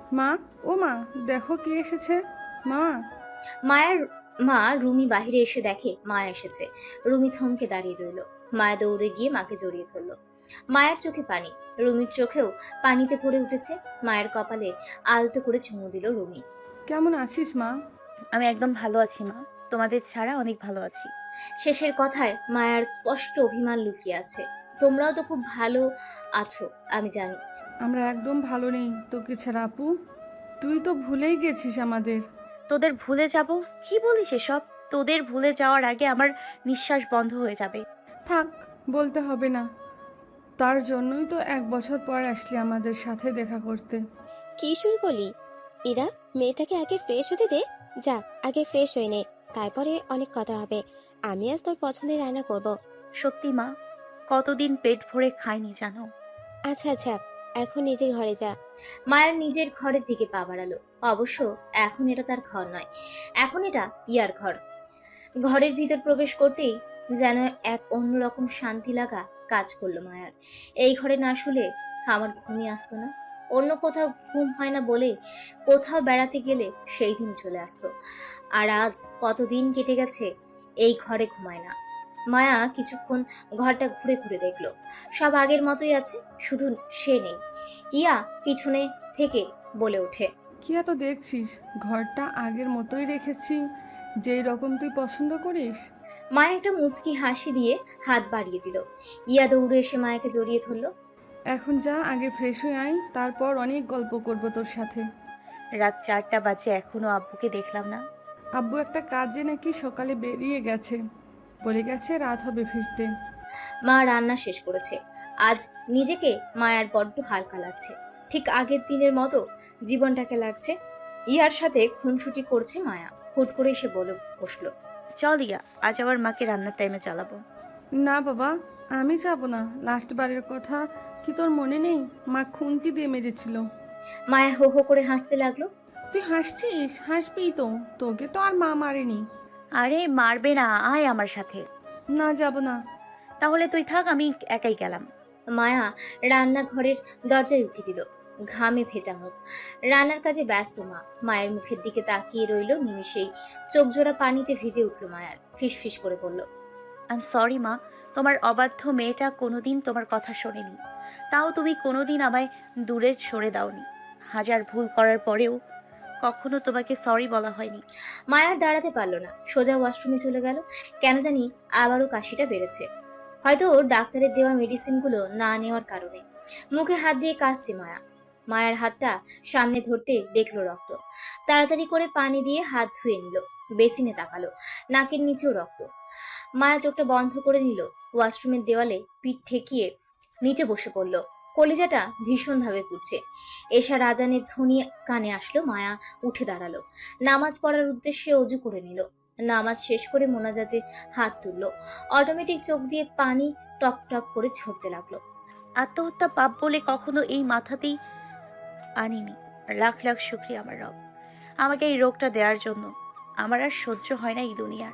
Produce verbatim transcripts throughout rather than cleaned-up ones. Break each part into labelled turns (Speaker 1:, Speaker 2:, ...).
Speaker 1: মা, ও মা, দেখো কে এসেছে। মা।
Speaker 2: মায়ের মা রুমি বাহিরে এসে দেখে মায়া এসেছে। রুমি থমকে দাঁড়িয়ে রইল। মায়া দৌড়ে গিয়ে মাকে জড়িয়ে ধরল। মায়ের চোখে পানি, রুমির চোখেও পানিতে ভরে উঠেছে। মায়ের কপালে আলতো করে চুমু দিল রুমি।
Speaker 1: কেমন আছিস মা?
Speaker 3: আমি একদম ভালো আছি মা, তোমাদের ছাড়া অনেক ভালো আছি।
Speaker 2: শেষের কথায় মায়ার স্পষ্ট অভিমান লুকিয়ে আছে। তোমরাও তো খুব ভালো আছো আমি জানি।
Speaker 1: আমরা একদম ভালো নেই তোকে ছাড়া আপু। তুই তো ভুলেই গেছিস আমাদের।
Speaker 3: তোদের ভুলে যাব? কি বলিস এসব? তোদের ভুলে যাওয়ার আগে আমার নিঃশ্বাস বন্ধ হয়ে যাবে।
Speaker 1: থাক, বলতে হবে না। তার জন্যই তো এক বছর পর আসলি আমাদের সাথে দেখা করতে।
Speaker 4: কি শুরু করলি? ইরা, মেয়েটাকে আগে ফ্রেশ হতে দে। যা, আগে ফ্রেশ হয়ে নে, তারপরে অনেক কথা হবে। আমি আজ তোর পছন্দের রান্না করব।
Speaker 3: সত্যি মা, কতদিন পেট ভরে খাইনি জানো।
Speaker 4: আচ্ছা আচ্ছা, এখন নিজের ঘরে যা।
Speaker 2: মায়ের নিজের ঘরের দিকে পা বাড়ালো। অবশ্য এখন এটা তার ঘর নয়, এখন এটা ইয়ার ঘর। ঘরের ভিতর প্রবেশ করতেই যেন এক অন্যরকম শান্তি লাগা কাজ করলো মায়ার। এই ঘরে না শুলে আমার ঘুমই আসতো না। অন্য কোথাও ঘুম হয় না বলে কোথাও বেড়াতে গেলে সেই দিন চলে আসতো। আর আজ কতদিন কেটে গেছে এই ঘরে ঘুমায় না। মায়া কিছুক্ষণ ঘরটা ঘুরে ঘুরে দেখলো। সব আগের মতোই আছে, শুধু সে নেই। ইয়া পিছনে থেকে বলে ওঠে,
Speaker 1: কি এত দেখছিস? ঘরটা আগের মতোই রেখেছি, যেই রকম তুই পছন্দ করিস।
Speaker 2: মায়া একটা মুচকি হাসি দিয়ে হাত বাড়িয়ে দিল। ইয়া দৌড়ে এসে মায়াকে জড়িয়ে ধরলো।
Speaker 1: এখন যা, আগে ফ্রেশ হয়ে আয়, তারপর অনেক গল্প করব তোর সাথে।
Speaker 3: রাত চারটা বাজে এখনো আব্বুকে দেখলাম না।
Speaker 1: আব্বু একটা কাজে নাকি সকালে বেরিয়ে গেছে, বলে গেছে রাত হবে ফিরতে।
Speaker 2: মা রান্না শেষ করেছে। আজ নিজেকে মায়ার বড্ড হালকা লাগছে, ঠিক আগের দিনের মতো জীবনটাকে লাগছে। ইয়ার সাথে খুনসুটি করছে মায়া। হুট করে এসে বলে বসলো,
Speaker 3: চল ইয়া, আজ আবার মাকে রান্নার টাইমে চালাবো।
Speaker 1: না বাবা, আমি যাব না। লাস্ট বারের কথা কি তোর মনে নেই? মা খুন্তি দিয়ে মেরেছিল।
Speaker 2: মায়া হো হো করে হাসতে লাগলো।
Speaker 1: তুই হাসছিস? হাসবিই তো, তোকে তো আর মা মারেনি।
Speaker 3: আরে মারবে না, আয় আমার সাথে।
Speaker 1: না, যাব না।
Speaker 3: তাহলে তুই থাক, আমি একাই গেলাম।
Speaker 2: মায়া রান্নাঘরের দরজায় উঠে দিল, ঘামে ভেজা মুখ। রান্নার কাজে ব্যস্ত মা। মায়ের মুখের দিকে তাকিয়ে রইল নিমিষেই। চোখ জোড়া পানিতে ভিজে উঠল মায়ার। ফিস ফিস করে বলল,
Speaker 3: আই এম সরি মা, তোমার অবাধ্য মেয়েটা কোনোদিন তোমার কথা শোনেনি। তাও তুমি কোনোদিন আমায় দূরে সরে দাওনি। হাজার ভুল করার পরেও কখনো তোমাকে সরি বলা হয়নি।
Speaker 2: মায়ার দাঁড়াতে পারল না, সোজা ওয়াশরুমে চলে গেল। কেন জানি আবারও কাশিটা বেড়েছে, হয়তো ওর ডাক্তারের দেওয়া মেডিসিনগুলো না নেওয়ার কারণে। মুখে হাত দিয়ে কাশছে মায়া। মায়ের হাতটা সামনে ধরতে দেখলো রক্ত। তাড়াতাড়ি করে পানি দিয়ে হাত ধুয়ে নিল। বেসিনে তাকালো, নাকের নিচেও রক্ত। মায়া চোখটা বন্ধ করে নিল। ওয়াশরুমের দেওয়ালে পিঠ ঠেকিয়ে নিচে বসে পড়ল। কলিজাটা ভীষণভাবে পুড়ছে। এশা রাজানের ধ্বনি কানে আসলো। মায়া উঠে দাঁড়ালো, নামাজ পড়ার উদ্দেশ্যে অজু করে নিল। নামাজ শেষ করে মোনাজাতে হাত তুলল। অটোমেটিক চোখ দিয়ে পানি টপ টপ করে ঝরতে লাগলো।
Speaker 3: আত্মহত্যা পাপ বলে কখনো এই মাথাতেই আনিনি। লাখ লাখ শুক্রিয়া আমার রব, আমাকে এই রোগটা দেওয়ার জন্য। আমার আর সহ্য হয় না এই দুনিয়ার।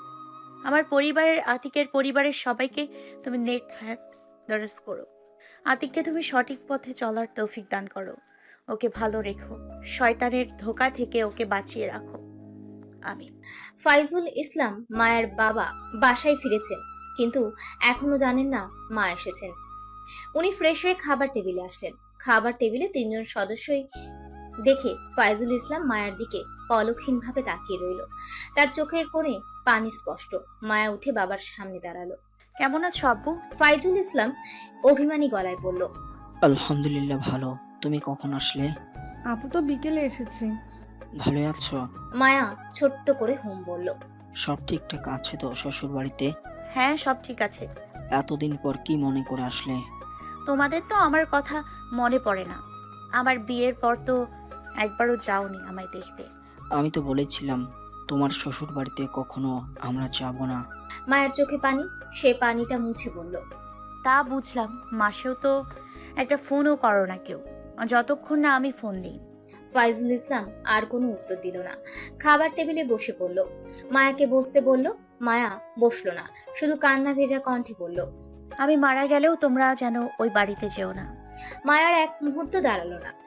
Speaker 3: আমার পরিবারের, আতিকের পরিবারের সবাইকে তুমি নেক হায়াত দরজ করো। আতিককে তুমি সঠিক পথে চলার তৌফিক দান করো। ওকে ভালো রেখো, শয়তানের ধোকা থেকে ওকে বাঁচিয়ে রাখো। আমিন।
Speaker 2: ফাইজুল ইসলাম মায়ের বাবা বাসায় ফিরেছেন, কিন্তু এখনো জানেন না মা এসেছেন। উনি ফ্রেশ হয়ে খাবার টেবিলে আসলেন। খাবার টেবিলে তিনজন সদস্যই দেখে ফাইজুল ইসলাম মায়ের দিকে পলকহীন ভাবে তাকিয়ে রইল। তার চোখের কোণে পানি স্পষ্ট। মায়া উঠে বাবার সামনে দাঁড়ালো।
Speaker 3: কেমন আছো আব্বু?
Speaker 2: ফাইজুল ইসলাম অভিমানী গলায় বলল,
Speaker 5: আলহামদুলিল্লাহ ভালো। তুমি কখন আসলে?
Speaker 1: আপু তো বিকেলে এসেছে।
Speaker 5: ভালো আছো?
Speaker 2: মায়া ছোট্ট করে হুম বলল।
Speaker 5: সব ঠিকঠাক আছে তো শ্বশুর বাড়িতে?
Speaker 3: হ্যাঁ, সব ঠিক আছে।
Speaker 5: এতদিন পর কি মনে করে আসলে?
Speaker 3: তোমাদের তো আমার কথা মনে পড়ে না। আমার বিয়ের পর তো একবারও যাওনি আমায় দেখতে।
Speaker 5: আমি তো বলেছিলাম তোমার শ্বশুর বাড়িতে কখনো আমরা যাব না।
Speaker 2: মায়ের চোখে পানি, সে পানিটা মুছে বলল,
Speaker 3: তা বুঝলাম, মাসেও তো একটা ফোনও করো না কেউ, যতক্ষণ না আমি ফোন দিই।
Speaker 2: ফাইজুল ইসলাম আর কোনো উত্তর দিল না। খাবার টেবিলে বসে পড়ল। মায়াকে বসতে বলল। মায়া বসলো না, শুধু কান্না ভেজা কণ্ঠে বলল,
Speaker 3: আমি মারা গেলেও তোমরা যেন ওই বাড়িতে যেও না।
Speaker 2: মায়ার এক মুহূর্ত দাঁড়ালো না।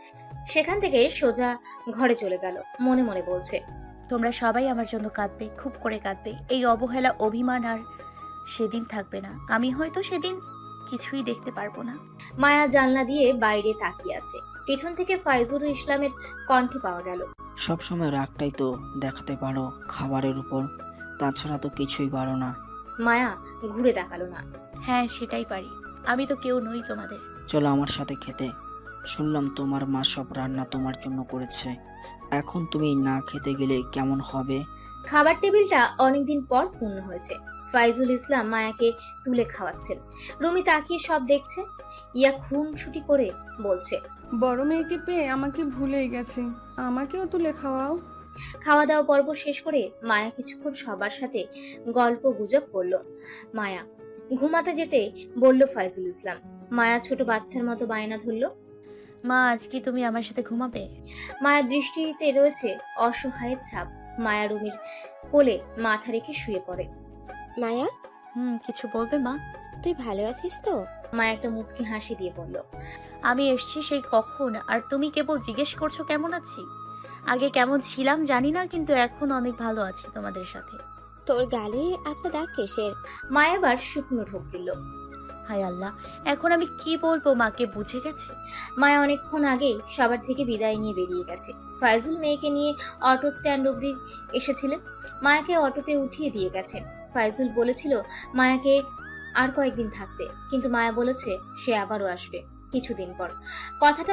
Speaker 2: সেখান থেকে সোজা ঘরে চলে গেল। মনে মনে বলছে,
Speaker 3: তোমরা সবাই আমার জন্য কাঁদবে, খুব করে কাঁদবে। এই অবহেলা, অভিমান আর সেদিন থাকবে না। আমি হয়তো সেদিন কিছুই দেখতে পারবো না।
Speaker 2: মায়া জানলা দিয়ে বাইরে তাকিয়ে আছে। পেছন থেকে ফাইজুর ইসলামের কণ্ঠ পাওয়া গেল।
Speaker 5: সবসময় রাগটাই তো দেখাতে পারো খাবারের উপর, তাছাড়া তো কিছুই পারো না।
Speaker 2: মায়া ঘুরে তাকালো না।
Speaker 3: হ্যাঁ, সেটাই পারি। আমি তো কেউ নই তোমাদের।
Speaker 5: চলো আমার সাথে খেতে। শুনলাম তোমার মা সব রান্না তোমার জন্য করেছে, এখন তুমি না খেতে গেলে কেমন হবে?
Speaker 2: খাবার টেবিলটা অনেকদিন পর পূর্ণ হয়েছে। ফাইজুল ইসলাম মায়াকে তুলে খাওয়াচ্ছেন। রুমি তাকিয়ে সব দেখছে। ইয়া খুনসুটি করে বলছে,
Speaker 1: বড় মেয়েকে পেয়ে আমাকে ভুলেই গেছে, আমাকেও তুলে খাওয়াও।
Speaker 2: খাওয়া দাওয়া পর্ব শেষ করে মায়া কিছুক্ষণ সবার সাথে গল্প গুজব করলো। মায়া ঘুমাতে যেতে বলল ফাইজুল ইসলাম। মায়া ছোট বাচ্চার মতো বায়না ধরলো।
Speaker 3: মা, আজ কি তুমি আমার সাথে ঘুমাবে?
Speaker 2: মায়ের দৃষ্টিতে রয়েছে অসহায়ের ছাপ। মায়া রুমির কোলে মাথা রেখে শুয়ে পড়ে।
Speaker 4: মায়া,
Speaker 3: হুম, কিছু বলবে মা?
Speaker 4: তুই ভালো আছিস তো?
Speaker 2: মায়া একটা মুচকি হাসি দিয়ে বলল,
Speaker 3: আমি এসছি সেই কখন, আর তুমি কেবল জিজ্ঞেস করছো কেমন আছি। আগে কেমন ছিলাম জানি না, কিন্তু এখন অনেক ভালো আছি তোমাদের সাথে।
Speaker 4: তোর গালে একটা দাগ কিসের?
Speaker 2: মায়া আবার শুকনো ঢোক দিল।
Speaker 3: হায় আল্লাহ, এখন আমি কি বলবো মাকে? বুঝে গেছে।
Speaker 2: মায়া অনেকক্ষণ আগেই সবার থেকে বিদায় নিয়ে বেরিয়ে গেছে। ফাইজুল মেয়েকে নিয়ে অটো স্ট্যান্ড অব্দি এসেছিলেন। মায়াকে অটোতে উঠিয়ে দিয়ে গেছেন। ফাইজুল বলেছিল মায়াকে আর কয়েকদিন থাকতে, কিন্তু মায়া বলেছে সে আবারও আসবে কিছুদিন পর। কথাটা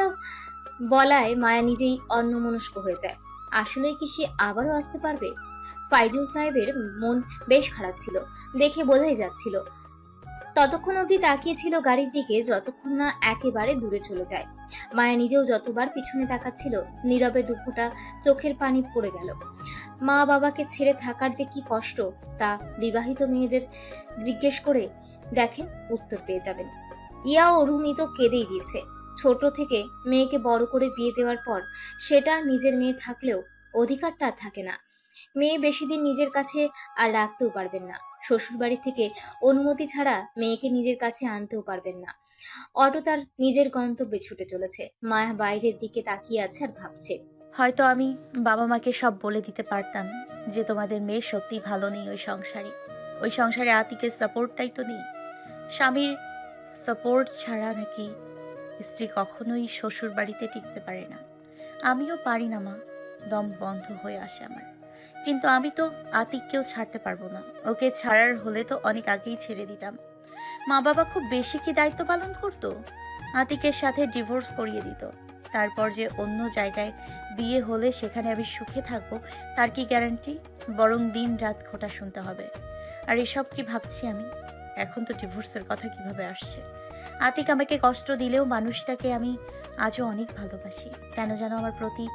Speaker 2: বলায় মায়া নিজেই অন্যমনস্ক হয়ে যায়। আসলেই কি সে আবারও আসতে পারবে? ফাইজুল সাহেবের মন বেশ খারাপ ছিল, দেখে বোঝাই যাচ্ছিল। ততক্ষণ অবধি তাকিয়েছিল গাড়ির দিকে, যতক্ষণ না একেবারে দূরে চলে যায়। মায়া নিজেও যতবার পিছনে তাকাচ্ছিল, নীরবে দুঃখটা চোখের পানি পড়ে গেল। মা বাবাকে ছেড়ে থাকার যে কি কষ্ট, তা বিবাহিত মেয়েদের জিজ্ঞেস করে দেখেন, উত্তর পেয়ে যাবেন। ইয়া ও রুমি তো কেঁদেই দিয়েছে। ছোট থেকে মেয়েকে বড় করে বিয়ে দেওয়ার পর সেটা নিজের মেয়ে থাকলেও অধিকারটা আর থাকে না। মেয়ে বেশি দিন নিজের কাছে আর রাখতেও পারবেন না। শ্বশুরবাড়ি থেকে অনুমতি ছাড়া মেয়েকে নিজের কাছে আনতেও পারবেন না। অটো তার নিজের গন্তব্যে ছুটে চলেছে। মায়া বাইরের দিকে তাকিয়ে আছে আর ভাবছে,
Speaker 3: হয়তো আমি বাবা মাকে সব বলে দিতে পারতাম যে তোমাদের মেয়ে সত্যি ভালো নেই ওই সংসারে। ওই সংসারে আতিকের সাপোর্টটাই তো নেই। স্বামীর সাপোর্ট ছাড়া নাকি স্ত্রী কখনোই শ্বশুর বাড়িতে টিকতে পারে না। আমিও পারি না মা, দম বন্ধ হয়ে আসে আমার। কিন্তু আমি তো আতিককেও ছাড়তে পারবো না। ওকে ছাড়ার হলে তো অনেক আগেই ছেড়ে দিতাম। মা বাবা খুব বেশি কি দায়িত্ব পালন করতো? আতিকের সাথে ডিভোর্স করিয়ে দিত, তারপর যে অন্য জায়গায় বিয়ে হলে সেখানে আমি সুখে থাকবো তার কি গ্যারান্টি? বরং দিন রাত খোঁটা শুনতে হবে। আর এসব কি ভাবছি আমি? এখন তো ডিভোর্সের কথা কিভাবে আসছে? আতিক আমাকে কষ্ট দিলেও মানুষটাকে আমি আজও অনেক ভালোবাসি। কেন যেন আমার প্রতি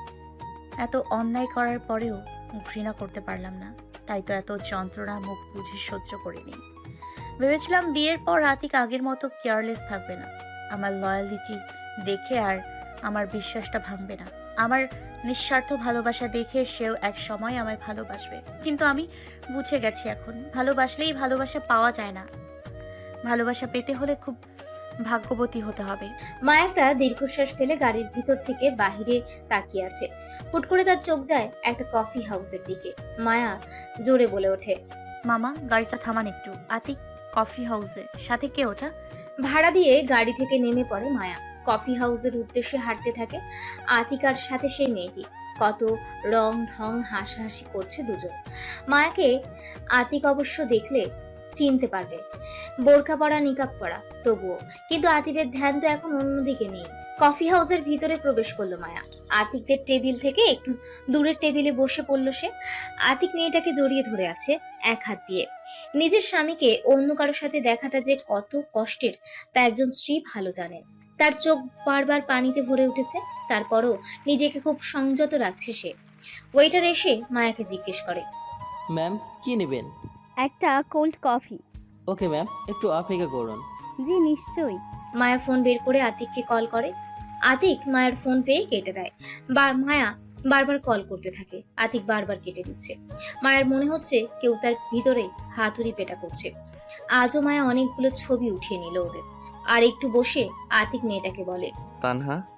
Speaker 3: এত অন্যায় করার পরেও ঘৃণা করতে পারলাম না। তাই তো এত যন্ত্রণা মুখ বুঝে সহ্য করিনি। ভেবেছিলাম বিয়ের পর আতিক আগের মতো কেয়ারলেস থাকবে না, আমার লয়ালিটি দেখে আর আমার বিশ্বাসটা ভাঙবে না, আমার নিঃস্বার্থ ভালোবাসা দেখে সেও এক সময় আমায় ভালোবাসবে। কিন্তু আমি বুঝে গেছি এখন ভালোবাসলেই ভালোবাসা পাওয়া যায় না। ভালোবাসা পেতে হলে খুব ভাগ্যবতী হতে হবে।
Speaker 2: মা একটা দীর্ঘশ্বাস ফেলে গাড়ির ভিতর থেকে বাহিরে তাকিয়ে আছে। হুট করে তার চোখ যায় একটা কফি হাউসের দিকে। মায়া জোরে বলে ওঠে,
Speaker 3: মামা, গাড়িটা থামান একটু। আতিক কফি হাউসে, সাথে কে ওটা?
Speaker 2: ভাড়া দিয়ে গাড়ি থেকে নেমে পড়ে মায়া। কফি হাউসের উদ্দেশ্যে হাঁটতে থাকে। আতিকার সাথে সেই মেয়েটি। কত রং ঢং হাসাহাসি করছে দুজন। মায়াকে আতিক অবশ্য দেখলে চিনতে পারবে, বোরকা পরা নিকাব পরা, তবুও কিন্তু আতিকের ধ্যান তো এখন অন্যদিকে নেই। কফি হাউসের ভিতরে প্রবেশ করলো মায়া। আতিকদের টেবিল থেকে একটু দূরের টেবিলে বসে পড়লো সে। আতিক মেয়েটাকে জড়িয়ে ধরে আছে এক হাত দিয়ে। নিজের স্বামীকে অন্য কারোর সাথে দেখাটা যে কত কষ্টের তা একজন স্ত্রী ভালো জানেন। তার চোখ বারবার পানিতে ভরে উঠেছে, তারপরও নিজেকে খুব সংযত রাখছে সে। ওয়েটার এসে মায়াকে জিজ্ঞেস করে,
Speaker 6: ম্যাম, কি নেবেন?
Speaker 7: একটা কোল্ড কফি।
Speaker 6: ওকে ম্যাম, একটু অপেক্ষা করুন।
Speaker 7: জি নিশ্চয়ই।
Speaker 2: মায়া ফোন বের করে আতিককে কল করে। আতিক মায়ের ফোন পেয়ে কেটে দেয়। বা মায়া বারবার কল করতে থাকে, আতিক বারবার কেটে দিচ্ছে। মায়ের মনে হচ্ছে কেউ তার ভিতরে হাতুড়ি পেটা করছে। আজও মায়া অনেকগুলো ছবি উঠিয়ে নিল ওদের। আর একটু বসে আতিক মেয়েটাকে বলে,
Speaker 8: তানহা,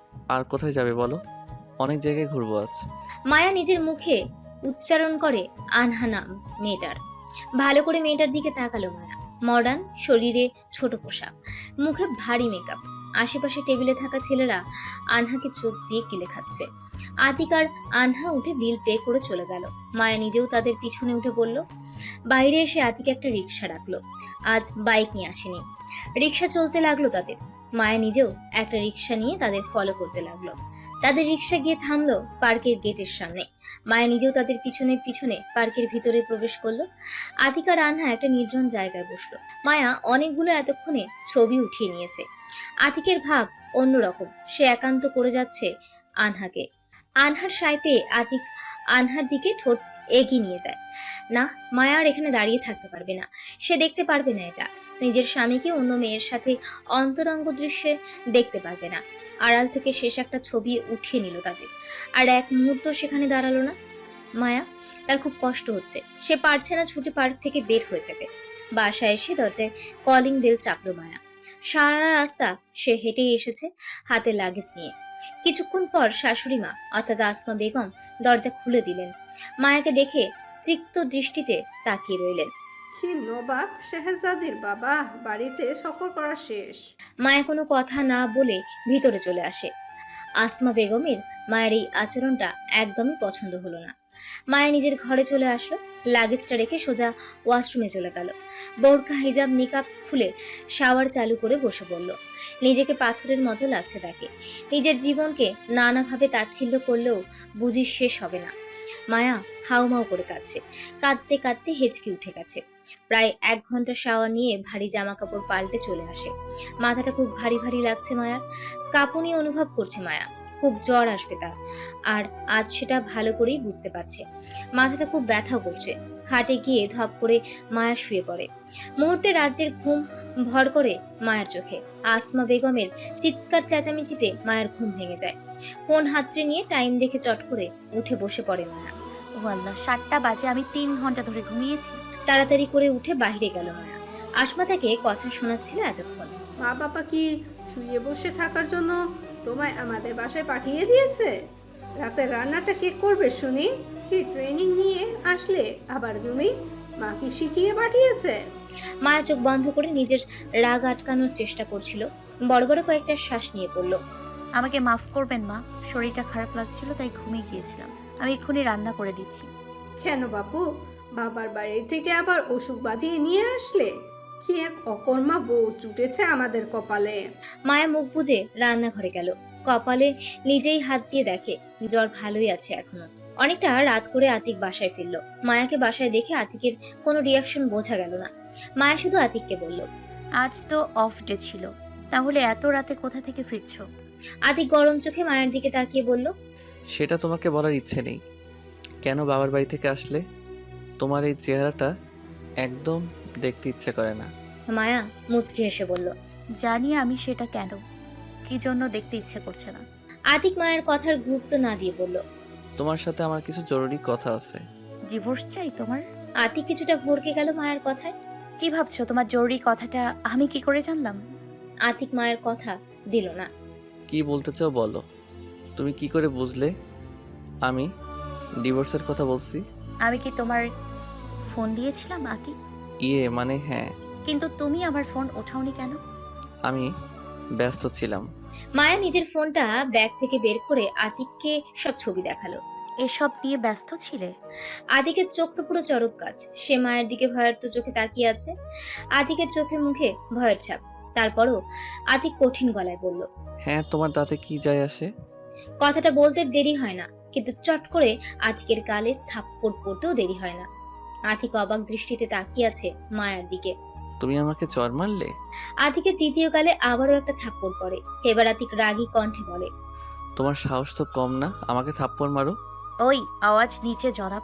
Speaker 8: আর কোথায় যাবে বলো? অনেক জায়গায় ঘুরবো আজ।
Speaker 2: মায়া নিজের মুখে উচ্চারণ করে আনহা নাম মেয়েটার। ভালো করে মেয়েটার দিকে তাকালো মায়া। মডার্ন, শরীরে ছোট পোশাক, মুখে ভারী মেকআপ। আশেপাশে টেবিলে থাকা ছেলেরা আনহাকে চোখ দিয়ে কিলে খাচ্ছে। আতিক আর আনহা উঠে বিল পে করে চলে গেল। মায়া নিজেও তাদের পিছনে উঠে পড়ল। বাইরে এসে আতিক একটা রিক্সা ডাকলো। আজ বাইক নিয়ে আসেনি। রিক্সা চলতে লাগলো তাদের। মায়া নিজেও একটা রিক্সা নিয়ে তাদের ফলো করতে লাগলো। তাদের রিক্সা গিয়ে থামলো পার্কের গেটের সামনে। মায়া নিজেও তাদের পিছনে পিছনে পার্কের ভিতরে প্রবেশ করলো। আতিক আর আনহা একটা নির্জন জায়গায় বসলো। মায়া অনেকগুলো এতক্ষণে ছবি উঠিয়ে নিয়েছে। আতিকের ভাব অন্যরকম, সে একান্ত করে যাচ্ছে আনহাকে। আনহার সায় পেয়ে আতিক আনহার দিকে ঠোঁট এগিয়ে নিয়ে যায়। না, মায়া আর এখানে দাঁড়িয়ে থাকতে পারবে না। সে দেখতে পারবে না এটা। নিজের স্বামীকে অন্য মেয়ের সাথে অন্তরঙ্গ দৃশ্যে দেখতে পারবে না। আড়াল থেকে শেষ একটা ছবি উঠিয়ে নিল তাদের। আর এক মুহূর্ত সেখানে দাঁড়ালো না। মায়া, তার খুব কষ্ট হচ্ছে। সে পারছে না ছুটি পার্ক থেকে বের হয়ে যেতে। বাসায় এসে দরজায় কলিং বেল চাপলো মায়া। সারা রাস্তা সে হেঁটেই এসেছে হাতে লাগেজ নিয়ে। কিছুক্ষণ পর শাশুড়ি মা অর্থাৎ আসমা বেগম দরজা খুলে দিলেন। মায়াকে দেখে তৃপ্ত দৃষ্টিতে তাকিয়ে রইলেন।
Speaker 9: কি নবাব শেহজাদির বাবা বাড়িতে সফর করা শেষ।
Speaker 2: মায়া কোনো কথা না বলে ভিতরে চলে আসে। আসমা বেগমের মায়ের এই আচরণটা একদমই পছন্দ হলো না। মায়া নিজের ঘরে চলে আসলো। লাগেজটা রেখে সোজা ওয়াশরুমে চলে গেল। বোরকা হিজাব নিকাব খুলে শাওয়ার চালু করে বসে পড়ল। নিজেকে পাথরের মতো লাগছে তাকে। নিজের জীবনকে নানাভাবে তাচ্ছিল্য করলেও বুঝি শেষ হবে না। মায়া হাউমাউ করে কাঁদছে। কাঁদতে কাঁদতে হেঁচকি উঠে গেছে। প্রায় এক ঘন্টা শাওয়ার নিয়ে ভারী জামা কাপড় পাল্টে চলে আসে। মাথাটা খুব ভারী ভারী লাগছে মায়ার। কাঁপুনি অনুভব করছে মায়া। খুব জ্বর আসবে তার। আর আজ সেটা ভালো করেই বুঝতে পারছে। মাথাটা খুব ব্যথা করছে। খাটে গিয়ে ধপ করে মায়া শুয়ে পড়ে। মুহূর্তে রাজ্যের ঘুম ভর করে মায়ের চোখে। আসমা বেগমের চিৎকার চেঁচামেচিতে মায়ের ঘুম ভেঙে যায়। ফোন হাতড়ে নিয়ে টাইম দেখে চট করে উঠে বসে পড়ে মায়া।
Speaker 3: ও আল্লাহ, সাতটা বাজে, আমি তিন ঘন্টা ধরে ঘুমিয়েছি।
Speaker 2: তাড়াতাড়ি করে উঠে বাইরে গেল মায়া। আসমা তাকে কথা শোনাচ্ছিল এতক্ষণ।
Speaker 9: মা বাবা কি শুয়ে বসে থাকার জন্য তোমায় আমাদের বাসায় পাঠিয়ে দিয়েছে? রাতের রান্নাটা কে করবে শুনি? কি ট্রেনিং নিয়ে আসলে আবার তুমি? মা কি শিখিয়ে পাঠিয়েছে?
Speaker 2: মায়া চোখ বন্ধ করে নিজের রাগ আটকানোর চেষ্টা করছিল। বড় বড় কয়েকটা শ্বাস নিয়ে পড়ল।
Speaker 3: আমাকে মাফ করবেন মা, শরীরটা খারাপ লাগছিল তাই ঘুমিয়ে গিয়েছিলাম। আমি এক্ষুনি রান্না করে দিচ্ছি।
Speaker 9: কেন বাপু, বাবার বাড়ি থেকে আবার অসুখ বাঁধিয়ে নিয়ে আসলে? কি এক অকর্মা বউ জুটেছে আমাদের কপালে।
Speaker 2: মায়া মুখ বুজে রান্নাঘরে গেল। কপালে নিজেই হাত দিয়ে দেখে জ্বর ভালোই আছে এখনো। অনেকটা রাত করে আতিক বাসায় ফিরল। মায়াকে বাসায় দেখে আতিকের কোনো রিয়াকশন বোঝা গেল না। মায়া শুধু আতিককে বলল,
Speaker 3: আজ তো অফ ডে ছিল, তাহলে এত রাতে কোথা থেকে ফিরছো?
Speaker 2: আতিক গরম চোখে মায়ের দিকে তাকিয়ে বলল,
Speaker 8: সেটা তোমাকে বলার ইচ্ছে নেই। কেন বাবার বাড়ি থেকে আসলে? তোমার এই চেহারাটা একদম দেখতে ইচ্ছে করে না।
Speaker 2: মায়া মুচকি হেসে বলল,
Speaker 3: জানি আমি সেটা কেন, কি জন্য দেখতে ইচ্ছে করছে না।
Speaker 2: আতিক মায়ের কথার গুরুত্ব না দিয়ে বলল,
Speaker 8: তোমার সাথে আমার কিছু জরুরি কথা আছে।
Speaker 3: ডিভোর্স চাই তোমার?
Speaker 2: আতিক কিছুটা ভরকে গেল মায়ের কথায়।
Speaker 3: কি ভাবছো? তোমার জরুরি কথাটা আমি কি করে জানলাম?
Speaker 2: আতিক মায়ের কথা দিল না।
Speaker 8: কি বলতে চাও বলো। তুমি কি করে বুঝলে আমি ডিভোর্সের কথা বলছি?
Speaker 3: আমি কি তোমার ফোন দিয়েছিলাম আতি?
Speaker 8: ইয়ে মানে হ্যাঁ।
Speaker 3: কিন্তু তুমি আমার ফোন ওঠাওনি কেন?
Speaker 8: আমি ব্যস্ত ছিলাম।
Speaker 2: মায়া নিজের ফোনটা ব্যাগ থেকে বের করে আতিককে সব ছবি দেখালো।
Speaker 3: এসব নিয়ে ব্যস্ত ছিলে?
Speaker 2: আতিকের চোখ তো পুরো চরক গাছ। সে মায়ের দিকে ভয়ের তো চোখে তাকিয়ে আছে। আতিকের চোখে মুখে ভয়ের ছাপ। তারপরও আতিক কঠিন গলায় বলল,
Speaker 8: হ্যাঁ, তোমার তাতে কি যায় আসে?
Speaker 2: কথাটা বলতে দেরি হয় না, কিন্তু চট করে আতিকের গালে থাপ্পড় পড়তেও দেরি হয় না। আতিক অবাক দৃষ্টিতে তাকিয়ে আছে মায়ার দিকে।
Speaker 8: তুমি আমাকে চর মারলে?
Speaker 2: আতিকের দ্বিতীয় গালে আবারও একটা থাপ্পড় পড়ে। এবার আতিক রাগী কণ্ঠে বলে,
Speaker 8: তোমার সাহস তো কম না, আমাকে থাপ্পড় মারো।
Speaker 3: ওই আওয়াজ নিচে জনাব,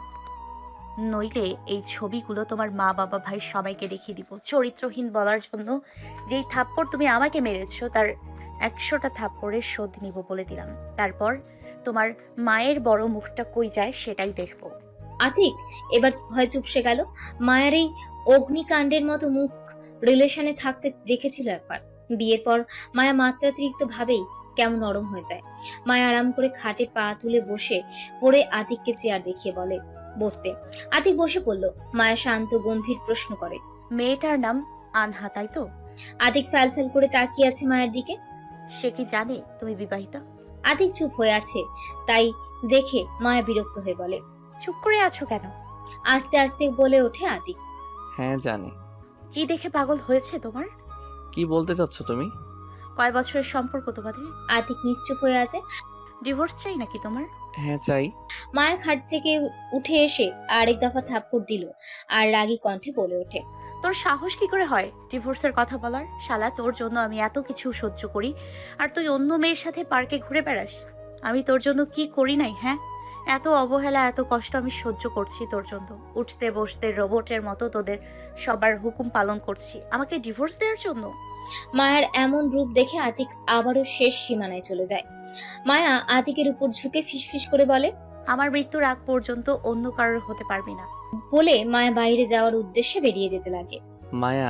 Speaker 3: নইলে এই ছবিগুলো তোমার মা বাবা ভাই সবাইকে দেখিয়ে দিব। চরিত্রহীন বলার জন্য যেই থাপ্পড় তুমি আমাকে মেরেছো তার একশোটা থাপ্পড়ের শোধ নিব বলে দিলাম। তারপর তোমার মায়ের বড় মুখটা কই যায় সেটাই দেখবো।
Speaker 2: আতিক এবার ভয় চুপসে গেল। মায়ের এই অগ্নিকাণ্ডের মতো মুখ রিলেশনে থাকতে দেখেছিল একবার। বিয়ের পর মায়া মাত্রাতিরিক্ত ভাবেই কেমন নরম হয়ে যায়। মায়া আরাম করে খাটে পা তুলে বসে পড়ে আতিককে চেয়ার দেখিয়ে বলে বসতে। আতিক বসে পড়ল। মায়া শান্ত গম্ভীর প্রশ্ন করে।
Speaker 3: মেয়েটার নাম আনহা, তাই তো?
Speaker 2: আতিক ফ্যাল ফ্যাল করে তাকিয়ে আছে মায়ের দিকে।
Speaker 3: সে কি জানে তুমি বিবাহিত?
Speaker 2: আতিক চুপ হয়ে আছে, তাই দেখে মায়া বিরক্ত হয়ে বলে।
Speaker 3: চুপ করে আছো কেন?
Speaker 2: আস্তে আস্তে বলে ওঠে আতিক।
Speaker 8: হ্যাঁ জানি।
Speaker 3: কি দেখে পাগল হয়েছে তোমার?
Speaker 8: কি বলতে চাচ্ছ তুমি?
Speaker 3: কয় বছরের সম্পর্ক তোমাদের?
Speaker 2: আতিক নিশ্চুপ হয়ে আছে।
Speaker 3: ডিভোর্স চাই নাকি তোমার?
Speaker 8: হ্যাঁ চাই।
Speaker 2: মায়া খাট থেকে উঠে এসে আরেক দফা থাপ্পড় দিল আর রাগী কণ্ঠে বলে ওঠে।
Speaker 3: তোর সাহস কি করে হয় ডিভোর্সের কথা বলার? শালা, তোর জন্য আমি এত কিছু সহ্য করি আর তুই অন্য মেয়ের সাথে পার্কে ঘুরে বেড়াস। আমি তোর জন্য কি করি নাই? হ্যাঁ, এত অবহেলা, এত কষ্ট আমি সহ্য করছি তোর জন্য। উঠতে বসতে রোবটের মতো তোদের সবার হুকুম পালন করছি, আমাকে ডিভোর্স দেওয়ার জন্য?
Speaker 2: মায়ার এমন রূপ দেখে আতিক আবারও শেষ সীমানায় চলে যায়। মায়া আতিকের উপর ঝুঁকে ফিসফিস করে বলে,
Speaker 3: আমার মৃত্যুর আগ পর্যন্ত অন্য কারোর হতে পারবি না।
Speaker 2: বলে মায়া বাইরে যাওয়ার উদ্দেশ্যে বেরিয়ে যেতে লাগে।
Speaker 8: মায়া,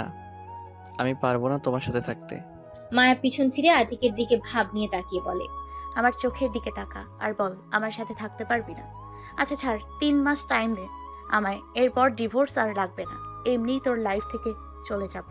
Speaker 8: আমি পারবো না তোমার সাথে থাকতে।
Speaker 2: মায়া পিছন ফিরে আতিকের দিকে ভাব নিয়ে তাকিয়ে বলে।
Speaker 3: আমার চোখের দিকে তাকা আর বল, আমার সাথে থাকতে পারবি না? আচ্ছা ছাড়, তিন মাস টাইম দে আমায়, এরপর ডিভোর্স আর লাগবে না, এমনিই তোর লাইফ থেকে চলে যাব।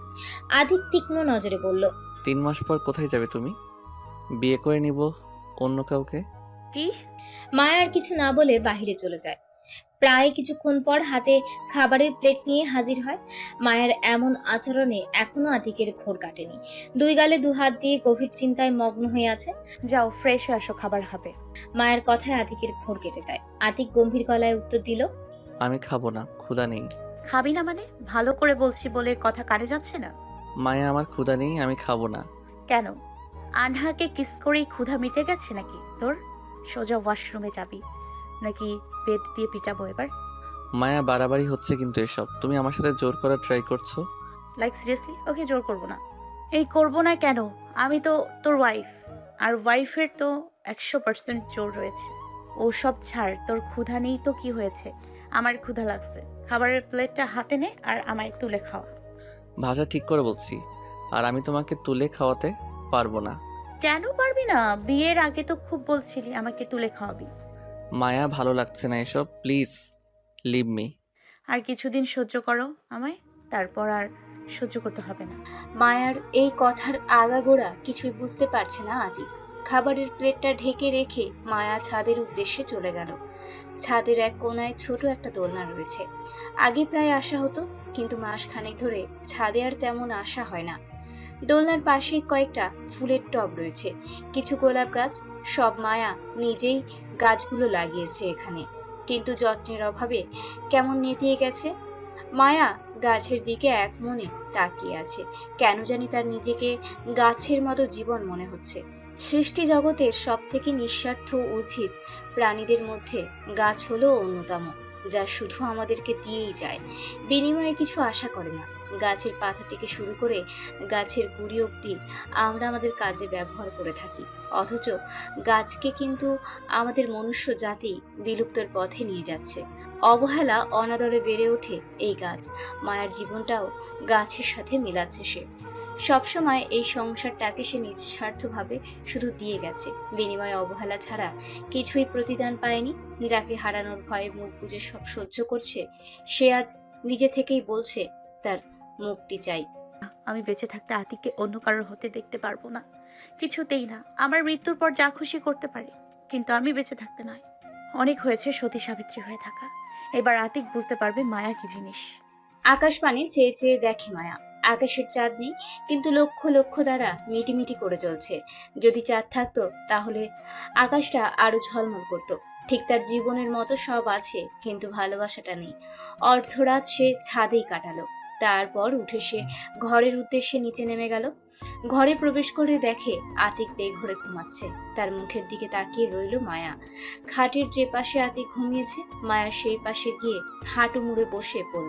Speaker 2: আতিক তীক্ষ্ণ নজরে বলল।
Speaker 8: তিন মাস পর কোথায় যাবে তুমি? বিয়ে করে নিব অন্য কাউকে?
Speaker 3: কি?
Speaker 2: মায়া আর কিছু না বলে বাহিরে চলে যায়। প্রায় কিছুক্ষণ পর হাতে খাবারের প্লেট নিয়ে হাজির হয়। মায়ের এমন আচরণে এখনো আতিকের ঘোর কাটেনি। দুই গালে দু হাত দিয়ে গভীর চিন্তায় মগ্ন হয়ে আছে।
Speaker 3: যাও ফ্রেশ হয়ে আসো, খাবার হবে।
Speaker 2: মায়ের কথায় আতিকের ঘোর কেটে যায়। আতিক গম্ভীর গলায় উত্তর দিল।
Speaker 8: আমি খাবো না, ক্ষুধা নেই।
Speaker 3: খাবি না মানে? ভালো করে বলছি বলে কথা কানে যাচ্ছে না?
Speaker 8: মায়া, আমার ক্ষুধা নেই, আমি খাবো না।
Speaker 3: কেন? আনহাকে কিস করেই ক্ষুধা মিটে গেছে নাকি তোর? সোজা ওয়াশরুমে যাবি নাকি বেদ দিয়ে পিটাবো এবার?
Speaker 8: মায়া, বাড়াবাড়ি হচ্ছে কিন্তু এসব। তুমি আমার সাথে জোর করার ট্রাই করছো।
Speaker 3: Like seriously? ওকে জোর করবো না। এই করবো না কেন? আমি তো তোর ওয়াইফ, আর ওয়াইফের তো একশো পার্সেন্ট জোর রয়েছে। ও সব ছাড়, তোর ক্ষুধা নেই তো কি হয়েছে? আমার ক্ষুধা লাগছে। খাবারের প্লেটটা হাতে নে আর আমায় তুলে খাওয়া।
Speaker 8: ভাষা ঠিক করে বলছি, আর আমি তোমাকে তুলে খাওয়াতে পারবো না।
Speaker 3: কেন পারবি না? বিয়ের আগে তো খুব বলছিলি আমাকে তুলে খাওয়াবি।
Speaker 8: মায়া, ভালো লাগছে না এসব, প্লিজ লিভ মি।
Speaker 3: আর কিছুদিন সহ্য করো আমায়, তারপর আর সহ্য করতে হবে না।
Speaker 2: মায়ার এই কথার আগাগোড়া কিছুই বুঝতে পারছে না আতিক। খাবারের প্লেটটা ঢেকে রেখে মায়া ছাদের উদ্দেশ্যে চলে গেল। ছাদের এক কোনায় ছোট একটা দোলনা রয়েছে। আগে প্রায় আসা হতো, কিন্তু মাস খানেক ধরে ছাদে আর তেমন আসা হয় না। দোলনার পাশে কয়েকটা ফুলের টব রয়েছে, কিছু গোলাপ গাছ। সব মায়া নিজেই গাছগুলো লাগিয়েছে এখানে, কিন্তু যত্নের অভাবে কেমন নেতিয়ে গেছে। মায়া গাছের দিকে এক মনে তাকিয়ে আছে। কেন জানি তার নিজেকে গাছের মতো জীবন মনে হচ্ছে। সৃষ্টি জগতের সব থেকে নিঃস্বার্থ উদ্ভিদ প্রাণীদের মধ্যে গাছ হলো অন্যতম, যা শুধু আমাদেরকে দিয়েই যায়, বিনিময়ে কিছু আশা করে না। গাছের পাতা থেকে শুরু করে গাছের গুঁড়ি অবধি আমরা আমাদের কাজে ব্যবহার করে থাকি, অথচ গাছকে কিন্তু আমাদের মনুষ্য জাতি বিলুপ্তর পথে নিয়ে যাচ্ছে। অবহেলা অনাদরে বেড়ে ওঠে এই গাছ। মায়ের জীবনটাও গাছের সাথে মিলাচ্ছে সে। সবসময় এই সংসারটাকে সে নিঃস্বার্থভাবে শুধু দিয়ে গেছে, বিনিময়ে অবহেলা ছাড়া কিছুই প্রতিদান পায়নি। যাকে হারানোর ভয়ে মুখ বুজে সব সহ্য করছে, সে আজ নিজে থেকেই বলছে তার মুক্তি চাই।
Speaker 3: আমি বেঁচে থাকতে আতিককে অন্য কারোর হতে দেখতে পারবো না, কিছুতেই না। আমার মৃত্যুর পর যা খুশি করতে পারে, কিন্তু আমি বেঁচে থাকতে নয়। অনেক হয়েছে সতী সাবিত্রী হয়ে থাকা, এবার আতিক বুঝতে পারবে মায়া কি জিনিস।
Speaker 2: আকাশ পানে চেয়ে চেয়ে দেখে মায়া। আকাশের চাঁদ নেই, কিন্তু লক্ষ লক্ষ তারা মিটিমিটি করে চলছে। যদি চাঁদ থাকতো তাহলে আকাশটা আরো ঝলমল করতো। ঠিক তার জীবনের মতো সব আছে, কিন্তু ভালোবাসাটা নেই। অর্ধরাত সে ছাদেই কাটালো, তারপর উঠে সে ঘরের উদ্দেশ্যে নিচে নেমে গেল। ঘরে প্রবেশ করে দেখে আতিক বেঘরে ঘুমাচ্ছে। তার মুখের দিকে তাকিয়ে রইল মায়া। খাটের যে পাশে আতিক ঘুমিয়েছে, মায়া সেই পাশে গিয়ে হাঁটু মুড়ে বসে পড়ল।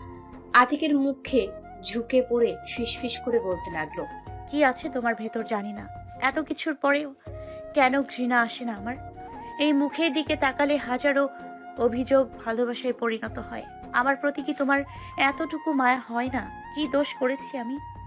Speaker 2: আতিকের মুখে ঝুঁকে পড়ে ফিসফিস করে বলতে লাগলো,
Speaker 3: কি আছে তোমার ভেতর জানি না, এত কিছুর পরেও কেন ঘৃণা আসে না আমার? এই মুখের দিকে তাকালে হাজারো অভিযোগ ভালোবাসায় পরিণত হয়। আমার প্রতি কি তোমার এতটুকু মায়া হয় না? কি দোষ করেছি আমি?